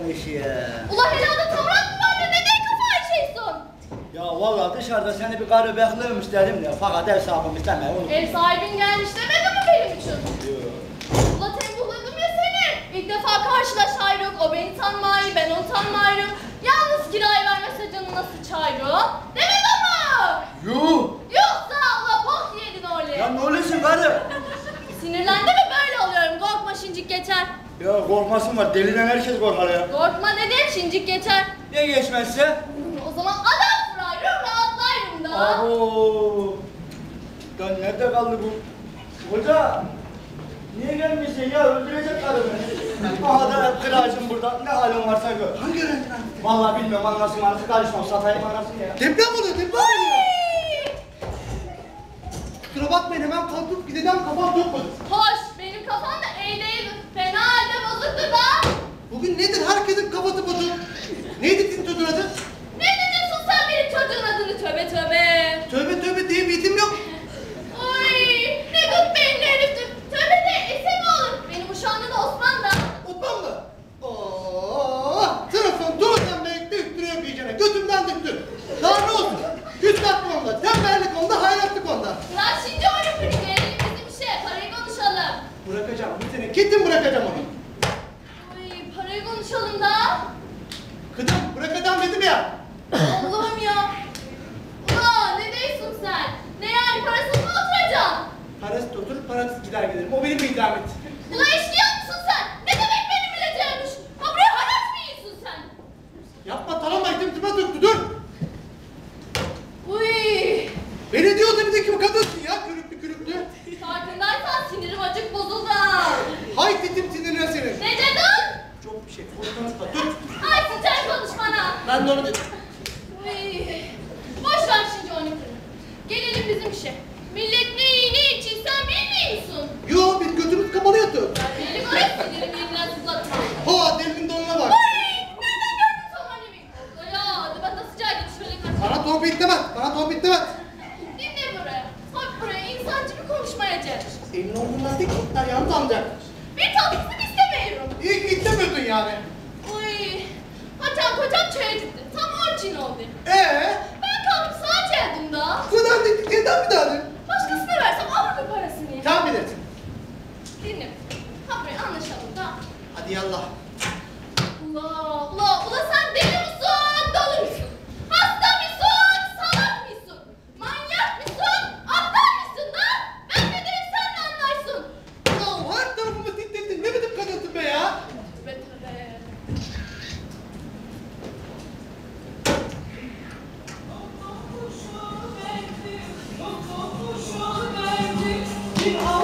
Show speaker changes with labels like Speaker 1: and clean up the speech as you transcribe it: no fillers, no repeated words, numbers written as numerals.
Speaker 1: olmuş ya.
Speaker 2: Ula helada tavrat mı var da neden kafayı şeysin?
Speaker 1: Ya vallahi dışarıda seni bir karı bekliyormuş dedim ya. Fakat ev sahibim istemeye unuttum.
Speaker 2: Ev sahibin gelmiş demedi mi benim için?
Speaker 1: Yok.
Speaker 2: Ula tembuhladım ya seni. İlk defa karşılaşayrık. O beni tanmayı, ben onu tanmayırım. Yalnız kirayı vermese canı nasıl çayrı? Demedi ama.
Speaker 1: Yuh!
Speaker 2: Yoksa ula bok yedin öyle.
Speaker 1: Ya ne oluyorsun karı?
Speaker 2: Sinirlendi mi böyle oluyorum. Korkma şincik geçer.
Speaker 1: Ya korkmasın var. Deliden herkes korkar ya.
Speaker 2: Korkma dedim şincik geçer.
Speaker 1: Ne geçmezse?
Speaker 2: O zaman adam vurayım rahatlayırım da.
Speaker 1: Abo! Ya nerede kaldı bu? Hoca! Niye gelmişsin ya? Öldürecek karı beni. Aha da kıracım burada. Ne halin varsa gör.
Speaker 3: Hangi öğrenciden?
Speaker 1: Vallahi bilmiyorum anlasın artık karışmam. Satayım anasını ya.
Speaker 3: Deprem oluyor, deprem oluyor. Kusura bakmayın hemen kalkıp gideceğim, kafam tutmadı.
Speaker 2: Hoş benim kafam da iyi değil. Fena halde bozuktu da.
Speaker 3: Bugün nedir herkesin kafası bozuk? Neydi sizin çocuğun adı?
Speaker 2: Ne diyorsun sen benim çocuğun adını tövbe tövbe.
Speaker 3: Tövbe tövbe diye bir isim yok.
Speaker 2: Oy ne gut beyinli heriftir. Tövbe de ese mi olur? Benim uşağımda da Osman da.
Speaker 3: Osman mı? Sınıfın doğrudan bekle üstüne yok iyicene. Götümden döktü. Daha ne olsun? Küstahlık onda, tembellik onda, hayratlık onda.
Speaker 2: Lan şimdi oyun kırık verelim bizim işe. Parayı konuşalım.
Speaker 3: Bırakacağım, bir sene kesin bırakacağım onu.
Speaker 2: Oy parayı konuşalım da.
Speaker 3: Kızım bırakacağım dedim ya.
Speaker 2: Allah'ım ya. Ulan ne diyorsun sen? Ne yani parasız mı oturacaksın?
Speaker 3: Parası oturur, parasız gider gelirim. O benim bir idamet.
Speaker 2: Ulan eşkıya mısın sen? Ne demek benim bileceğimmiş? Ha buraya haraç mı yiyorsun sen?
Speaker 3: Yapma talama itimtime döktü, dur.
Speaker 2: Uy.
Speaker 3: Beni diyordu bir de kim kadınsın ya, kürüklü kürüklü.
Speaker 2: Farkındaysan sinirim acık bozuldu.
Speaker 3: Hay titim sinirine senin.
Speaker 2: Ne dedin?
Speaker 3: Çok bir şey, konuşma, tut.
Speaker 2: Ay sıçar konuşmana.
Speaker 3: Ben de onu dedim.
Speaker 2: Uy. Boş ver şimdi onu kırın. Gelelim bizim işe. Millet ne iyi ne için sen bilmiyorsun.
Speaker 3: Yo, biz götümüz kapalı yatıyoruz.
Speaker 2: Benim öyle sinirimi yeniden sızlatma.
Speaker 3: Ha, delinin donuna bak.
Speaker 2: Ay nereden gördün sen annemi? Ya ben de sıcağa git şöyle kaç.
Speaker 3: Bana torpil demez, bana torpil demez.
Speaker 2: Dinle buraya. Bak buraya insancı bir konuşmaya çalış.
Speaker 3: Senin olduğundan tek kitler yalnız amca.
Speaker 2: Bir tatlısını istemiyorum.
Speaker 3: İyi ki istemiyordun yani.
Speaker 2: Uy. Hatem kocam çaya gitti. Tam onun için oldu. Ben kalkıp sağa çeldim da.
Speaker 3: Sıradan dedik, neden bir daha dedin?
Speaker 2: Başkasına versem alır mı parasını?
Speaker 3: Sen bilirsin.
Speaker 2: Dinle. Ha buraya anlaşalım da.
Speaker 3: Hadi yallah.
Speaker 2: Ula sen deli misin? Dolu musun? Hasta mısın? Salak mısın? Manyak mısın? Aptal mısın da? Ben ne derim sen ne anlarsın?
Speaker 3: Ya her tarafımı titrettin, ne biçim kadınsın be ya?
Speaker 2: Tövbe tövbe.
Speaker 4: Bir